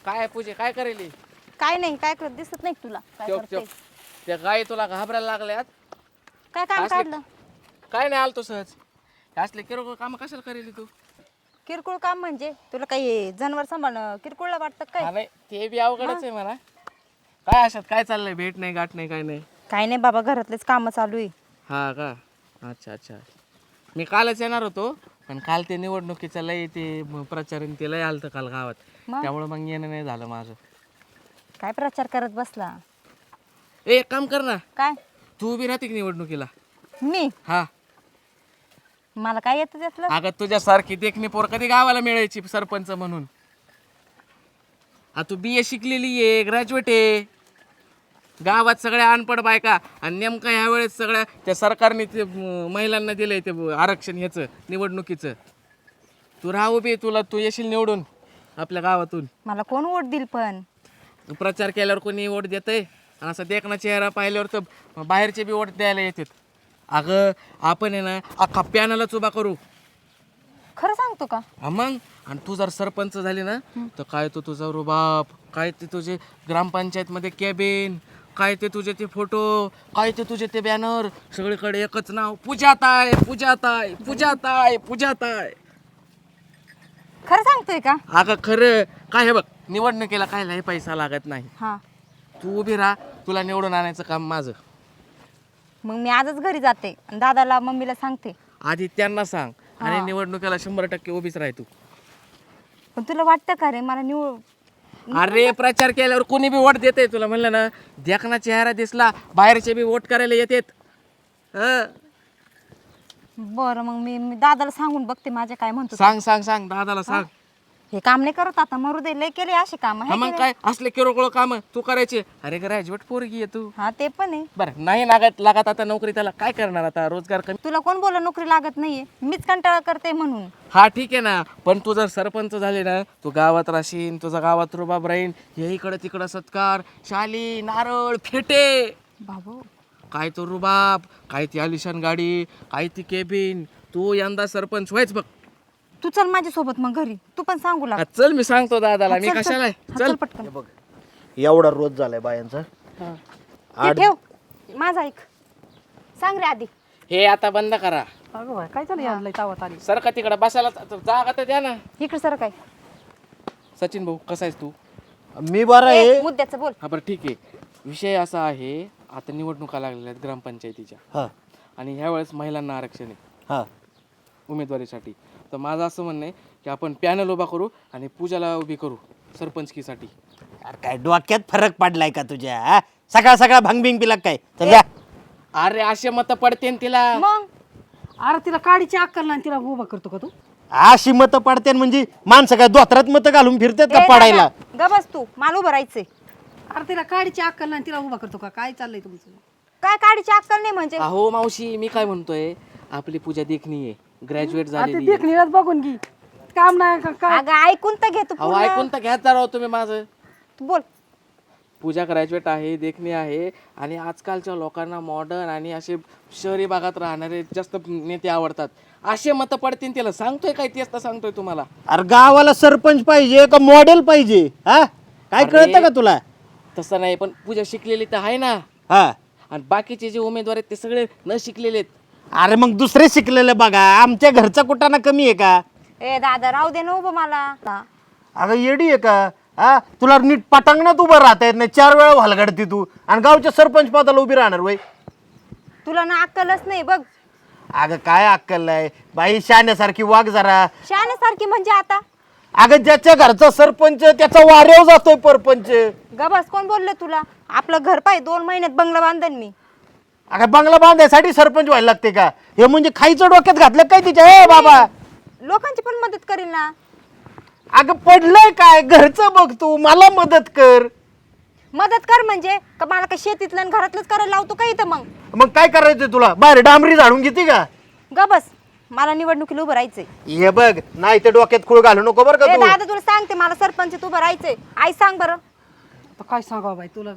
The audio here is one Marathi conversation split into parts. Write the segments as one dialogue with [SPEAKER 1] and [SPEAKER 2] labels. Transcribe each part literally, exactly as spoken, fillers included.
[SPEAKER 1] काय पूजे काय करेली?
[SPEAKER 2] काय नाही, काय करत दिसत नाही तुला काय
[SPEAKER 1] चोप
[SPEAKER 2] करते?
[SPEAKER 1] चोप त्या गाई तुला घाबरायला लागल्यात.
[SPEAKER 2] काय काम
[SPEAKER 1] असले-
[SPEAKER 2] काढलं?
[SPEAKER 1] काय नाही आलतो सहज. हे असले किरकोळ काम कशाला करेली तू?
[SPEAKER 2] किरकोळ काम म्हणजे तुला काही जनावर सांभाळणं किरकोळला वाटतं
[SPEAKER 1] हा
[SPEAKER 2] काय?
[SPEAKER 1] नाही ते बी अवघडच आहे म्हणा. काय अशात काय चाललंय? भेट नाही गाठ नाही काय नाही.
[SPEAKER 2] काय नाही बाबा, घरातलेच काम चालू आहे.
[SPEAKER 1] हा का? अच्छा अच्छा. मी कालच येणार होतो पण काल ते निवडणुकीचं लय ते प्रचारण ते लय आलतं काल गावात.
[SPEAKER 2] मग?
[SPEAKER 1] त्यामुळे मग येणं नाही झालं माझं.
[SPEAKER 2] काय प्रचार करत बसला?
[SPEAKER 1] ए एक काम कर ना,
[SPEAKER 2] काय
[SPEAKER 1] तू उभी राहते की निवडणुकीला?
[SPEAKER 2] मी
[SPEAKER 1] हा
[SPEAKER 2] मला काय येतं त्यातलं?
[SPEAKER 1] अगं तुझ्यासारखी देखणी पोर कधी गावाला मिळायची सरपंच म्हणून. हा तू बी ए शिकलेली आहे, ग्रॅज्युएट आहे. गावात सगळ्या अनपड बायका आणि नेमकं ह्या वेळेस सगळ्या त्या सरकारने ते म, महिलांना दिलंय ते आरक्षण ह्याचं निवडणुकीचं. तू राहा उभी, तुला तू येशील निवडून आपल्या गावातून.
[SPEAKER 2] मला कोण वोट देईल पण?
[SPEAKER 1] प्रचार केल्यावर कोणी वोट देतंय आणि असं देखणा चेहरा पाहिल्यावर तर बाहेरचे बी वोट द्यायला येतात. अगं आपण आहे ना अख्खा पॅनलच उभा करू.
[SPEAKER 2] खरं सांगतो का?
[SPEAKER 1] हा मग, आणि तू जर सरपंच झाली ना तर काय तो तुझा रुबाब, काय ते तुझे ग्रामपंचायतमध्ये कॅबिन, काय ते तुझे ते फोटो, काय ते तुझे ते बॅनर, सगळीकडे एकच नाव पूजाताई पूजाताई पूजाताई पूजाताई.
[SPEAKER 2] खरं सांगतोय का?
[SPEAKER 1] अगं खरं काय हे बघ, निवडणुकीला कायलाही पैसा लागत नाही.
[SPEAKER 2] हा,
[SPEAKER 1] तू उभी राहा, तुला निवडून आणायचं काम माझं.
[SPEAKER 2] मग मी आजच घरी जाते आणि दादाला मम्मीला सांगते.
[SPEAKER 1] आधी त्यांना सांग आणि निवडणुकीला शंभर टक्के उभीच राह तू.
[SPEAKER 2] पण तुला वाटतं का रे मला निवड
[SPEAKER 1] अरे प्रचार केल्यावर कोणी बी वोट देते. तुला म्हणलं ना, देखना चेहरा दिसला बाहेरचे बी वोट करायला येतात. हं.
[SPEAKER 2] बरं, मग मी मी दादाला सांगून बघते माझ्या काय म्हणतो.
[SPEAKER 1] सांग सांग सांग दादाला सांग.
[SPEAKER 2] हे काम नाही करत आता, मरू दे. लय केले असे काम
[SPEAKER 1] हा मग काय असले किरकोळ काम तू करायचे? अरे ग्रॅज्युएट पोरगी आहे तू.
[SPEAKER 2] हा ते पण आहे.
[SPEAKER 1] बरं नाही लागत लागत आता नोकरी, त्याला काय करणार आता? रोजगार कमी.
[SPEAKER 2] तुला कोण बोला नोकरी लागत नाहीये? मीच कंटाळा करते म्हणून.
[SPEAKER 1] हा ठीक आहे ना, पण तू जर सरपंच झाले ना, तू गावात राहशील, तुझा गावात रुबाब राहील. हे इकडं तिकडं सत्कार, शाली, नारळ, फेटे.
[SPEAKER 2] बाबू
[SPEAKER 1] काय तो रुबाब, काय ती आलिशान गाडी, काय ती केबिन. तू यंदा सरपंच व्हायच बघ.
[SPEAKER 2] तू चल माझ्या सोबत मग घरी, तू पण सांगू लाग.
[SPEAKER 1] हा, चल मी सांगतो दादाला.
[SPEAKER 2] हा,
[SPEAKER 1] मी
[SPEAKER 2] चल, चल.
[SPEAKER 1] कशाला आहे?
[SPEAKER 2] हा,
[SPEAKER 1] चल
[SPEAKER 2] चल पटकन.
[SPEAKER 3] बघ एवढा रोज झालाय बायांचा.
[SPEAKER 2] ते ठेव माझा ऐक. सांग रे आधी.
[SPEAKER 1] हे आता बंद करा.
[SPEAKER 4] अगं काय चालू यायला तावत आली.
[SPEAKER 1] सर का तिकडे बसायला जागा तर द्या ना.
[SPEAKER 2] इकडे सर काय
[SPEAKER 1] सचिन भाऊ कसा आहेस तू?
[SPEAKER 3] मी बरा
[SPEAKER 2] ए,
[SPEAKER 3] आहे.
[SPEAKER 2] मुद्द्याचं बोल.
[SPEAKER 1] हा बरं ठीक आहे. विषय असा आहे, आता निवडणुका लागलेल्या आहेत ग्रामपंचायतीच्या
[SPEAKER 3] हा
[SPEAKER 1] आणि ह्या वेळेस महिलांना आरक्षण आहे
[SPEAKER 3] हा
[SPEAKER 1] उमेदवारीसाठी. तर माझं असं म्हणणं आहे की आपण पॅनल उभा करू आणि पूजाला उभी करू सरपंचकीसाठी.
[SPEAKER 3] अरे काय डोक्यात फरक पडलाय का तुझ्या? हा? सकाळ सकाळ भंगबिंग पिला काय? चल जा.
[SPEAKER 1] अरे असे मत पडते तिला.
[SPEAKER 2] मग
[SPEAKER 4] अरे तिला काडीची अक्कल नाही, तिला उभा करतो का तू?
[SPEAKER 3] अशी मतं पडते म्हणजे माणसं काय दोतरात मतं घालून फिरतात का
[SPEAKER 2] ए,
[SPEAKER 3] पडायला?
[SPEAKER 2] दादा, ग बस तू. मला उभं राहायचंय.
[SPEAKER 4] अरे तिला काडीची अक्कल नाही, तिला उभा करतो का? काय चाललंय तुमचं?
[SPEAKER 2] काय काडीची अक्कल नाही म्हणजे?
[SPEAKER 1] अहो मावशी, मी काय म्हणतोय, आपली पूजा देखणी आहे, ग्रॅज्युएट
[SPEAKER 4] अरे ती
[SPEAKER 1] झालेली आहे.
[SPEAKER 4] देखणीलाच बघून घे. काम नाही का काय?
[SPEAKER 2] अगं ऐकून तर घे तू
[SPEAKER 1] अहो
[SPEAKER 2] पूर्ण.
[SPEAKER 1] ऐकून तर घ्याच राव तुम्ही माझं.
[SPEAKER 2] तू बोल.
[SPEAKER 1] पूजा ग्रॅज्युएट आहे, देखणी आहे आणि आजकालच्या लोकांना मॉडर्न आणि असे शहरी भागात राहणारे जास्त नेते आवडतात. असे मतं पडतील तिला. सांगतोय काय? तेच तर सांगतोय तुम्हाला.
[SPEAKER 3] अरे गावाला सरपंच पाहिजे का मॉडेल पाहिजे? हा काय
[SPEAKER 1] अरे.
[SPEAKER 3] कळतं का तुला?
[SPEAKER 1] तसं नाही, पण पूजा शिकलेली तर आहे ना,
[SPEAKER 3] हा
[SPEAKER 1] आणि बाकीचे जे उमेदवार आहेत ते सगळे न शिकलेले आहेत.
[SPEAKER 3] अरे मग दुसरे शिकलेले बघा. आमच्या घरचा कुठाना कमी आहे का?
[SPEAKER 2] ए दादा राहू दे ना उभं मला.
[SPEAKER 3] अगं येडी आहे का? हा तुला नीट पटांगणात उभं राहता येत नाही. चार वेळा हलगडती तू आणि गावच्या सरपंच पदाला उभी राहणार वय.
[SPEAKER 2] तुला ना अक्कलच नाही बघ.
[SPEAKER 3] अगं काय अक्कल आहे बाई? शाण्यासारखी वाग जरा.
[SPEAKER 2] शहाण्यासारखी म्हणजे आता?
[SPEAKER 3] अगं ज्याच्या घरचा सरपंच त्याचा वाऱ्यावर जातोय परपंच.
[SPEAKER 2] ग बस. कोण बोललं तुला? आपलं घर पाय दोन महिन्यात बंगला बांधन मी.
[SPEAKER 3] अगं बंगला बांधायसाठी सरपंच व्हायला लागते का? हे म्हणजे खायचं डोक्यात घातलं काय तिच्या? ए बाबा,
[SPEAKER 2] लोकांची पण मदत करील ना.
[SPEAKER 3] अगं पडलंय काय? घरचं बघ तू, मला मदत कर.
[SPEAKER 2] मदत कर म्हणजे का मला का शेतीतलं आणि घरातलंच करायला लावतो का इथं? मग
[SPEAKER 3] मग काय करायचं तुला? बाहेर डांबरी झाडून घेते का?
[SPEAKER 2] ग बस. मला निवडणुकीला उभं राहायचंय.
[SPEAKER 3] हे बघ, नाही तर डोक्यात खूळ घालू नको बरं का
[SPEAKER 2] ए
[SPEAKER 3] तू.
[SPEAKER 2] दादा तुला सांगते, मला सरपंच उभं राहायचंय. आई सांग बरं.
[SPEAKER 4] आता काय सांगावं बाई तुला?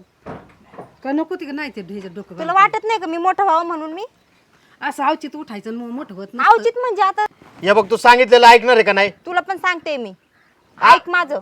[SPEAKER 4] काय नको ती का नाही ते ढेजर डोकं
[SPEAKER 2] तुला वाटत नाही का मी मोठं व्हावं म्हणून? मी
[SPEAKER 4] घालून? असं अवचित उठायचं आणि मग मोठं होत नाही.
[SPEAKER 2] अवचित म्हणजे आता
[SPEAKER 3] हे बघ, तू सांगितलेलं ऐकणार आहे का नाही?
[SPEAKER 2] तुला पण सांगते मी, ऐक माझं.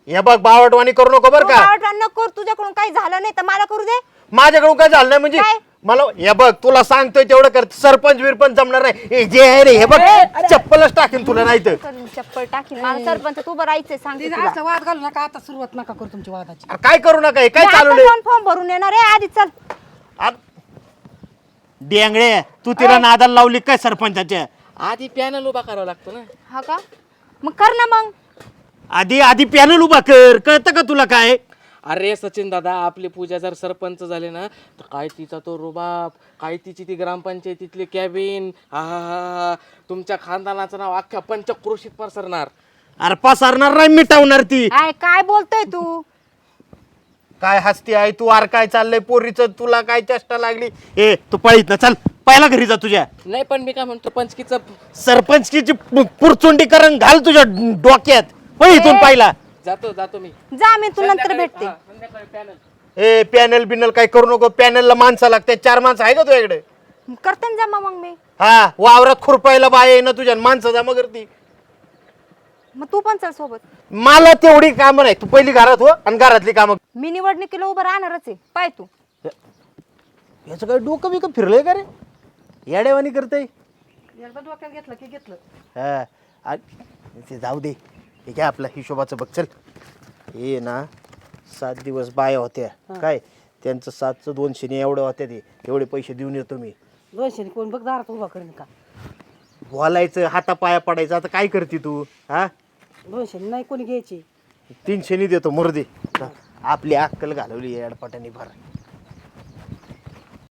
[SPEAKER 3] हे बघ बावटवाणी करू नको बरं का.
[SPEAKER 2] नको तुझ्याकडून काही झालं नाही तर मला करू दे.
[SPEAKER 3] माझ्याकडून काय झालं नाही म्हणजे
[SPEAKER 2] काय?
[SPEAKER 3] मला हे बघ तुला सांगतोय तेवढं कर. सरपंच बिरपंच जमणार नाही. हे जे आहे रे हे बघ चप्पलच टाकेन तुला नाही तर.
[SPEAKER 2] करून चप्पल टाकी मला सरपंच तू बरं राहायचंय सांगते
[SPEAKER 4] तिथे
[SPEAKER 2] तुला.
[SPEAKER 4] असं वाद घालू नका आता सुरुवात नका करू तुमची वादाची.
[SPEAKER 3] अरे काय करू नका हे काय
[SPEAKER 2] मी आता
[SPEAKER 3] चालवलंय
[SPEAKER 2] जाऊन फॉर्म भरून येणार आहे आधी चल.
[SPEAKER 3] आ- डेंगळे तू तिला नादाला लावली काय सरपंचाच्या.
[SPEAKER 1] आधी पॅनल उभा करावा लागतो ना.
[SPEAKER 2] हा का मग कर ना मग.
[SPEAKER 3] आधी आधी पॅनल उभा कर. कळतं का तुला काय.
[SPEAKER 1] अरे सचिन दादा आपली पूजा जर सरपंच झाले ना तर काय तिचा तो रुबाब, काय तिची ती ग्रामपंचायतीतली कॅबिन, हा हा हा तुमच्या खानदानाचं नाव अख्ख्या पंचक्रोशीत पसरणार.
[SPEAKER 3] अरे पसरणार नाही मिटवणार ती.
[SPEAKER 2] काय काय बोलतोय तू.
[SPEAKER 3] काय हसती आहे तू. आर काय चाललंय पोरीचं तुला काय चेष्टा लागली. ए तू पळीत ना चल पहिला घरी जा तुझ्या.
[SPEAKER 1] नाही पण मी काय म्हणतो पंचकीचं
[SPEAKER 3] सरपंचकीची पु- पुरचुंडीकरण घाल तुझ्या डोक्यात. पळीतून
[SPEAKER 2] ए.
[SPEAKER 3] पाहिला.
[SPEAKER 1] जातो जातो मी
[SPEAKER 2] जा मी तू नंतर भेटते.
[SPEAKER 1] हा, संध्याकाळी पॅनल.
[SPEAKER 3] ए पॅनल बिनल काय करू नको. पॅनलला माणसं लागते. चार माणसं आहे का तुझ्याकडे.
[SPEAKER 2] करते ना जमा मग मी.
[SPEAKER 3] हा वावरात खुरपायला बाय आहे ना तुझ्या माणसं जमा करती.
[SPEAKER 2] मग तू पण चल सोबत.
[SPEAKER 3] मला तेवढी कामं नाही. तू पहिली घरात हो आणि घरातली कामं.
[SPEAKER 2] मी निवडणुकीला उभं राहणारच आहे पाय तू.
[SPEAKER 3] याचं काय डोकं बिकं फिरलंय का रे. येड्यावानी करते.
[SPEAKER 4] एकदा डोक्यात घेतलं की घेतलं.
[SPEAKER 3] हा आ- ते जाऊ दे. हे काय आपला हिशोबाचं बघ चल. हे ना सात दिवस बाया होत्या काय त्यांचं सातचं दोनशे ने एवढं होत्या ते एवढे पैसे देऊन येतो मी.
[SPEAKER 4] दोनशे कोण बघ दारात उभा करेन का.
[SPEAKER 3] बोलायचं हातापाया पडायचं. आता काय करते तू. हा
[SPEAKER 4] दोनशे नाही कोणी घ्यायची.
[SPEAKER 3] तीनशे नि देतो मुर्दे. आपली अक्कल घालवली अडपाटाने भर.